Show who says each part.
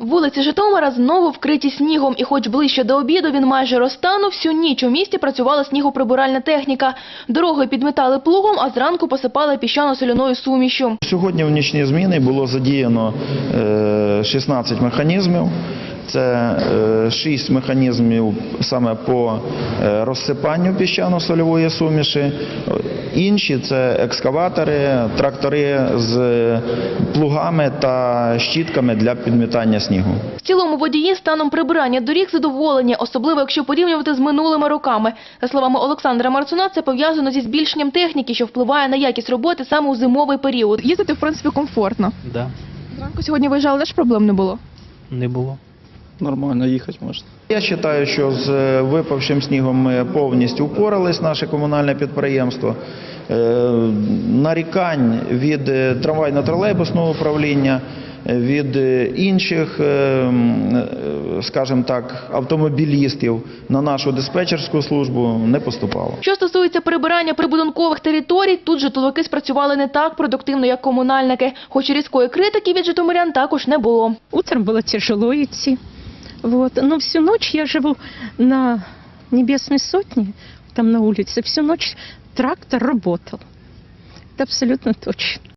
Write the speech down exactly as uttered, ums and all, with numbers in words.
Speaker 1: Вулиці Житомира знову вкриті снігом. І хоч ближче до обіду він майже розтанув, всю ніч у місті працювала снігоприбиральна техніка. Дороги підметали плугом, а зранку посипали піщано-соляною сумішю.
Speaker 2: Сьогодні в нічні зміни було задіяно шістнадцять механізмів. Це шість механізмів саме по розсипанню піщано-сольової суміші. Інші – це екскаватори, трактори з плугами та щітками для підмітання снігу.
Speaker 1: В цілому водії станом прибирання доріг задоволені, особливо якщо порівнювати з минулими роками. За словами Олександра Марцуна, це пов'язано зі збільшенням техніки, що впливає на якість роботи саме у зимовий період. Їздити, в принципі, комфортно.
Speaker 3: Да,
Speaker 1: Зранку сьогодні виїжджали, теж проблем не було?
Speaker 3: не було.
Speaker 4: Нормально їхати можна.
Speaker 2: Я вважаю, що з випавшим снігом ми повністю впорались, наше комунальне підприємство. Нарікань від трамвайно-тролейбусного управління, від інших, скажімо так, автомобілістів на нашу диспетчерську службу не поступало.
Speaker 1: Що стосується прибирання прибудинкових територій, тут житловики спрацювали не так продуктивно, як комунальники. Хоч і різкої критики від житомирян також не було.
Speaker 5: Утром было тяжело идти, вот. Но всю ночь я живу на Небесной Сотне, там на улице, всю ночь трактор работал. Это абсолютно точно.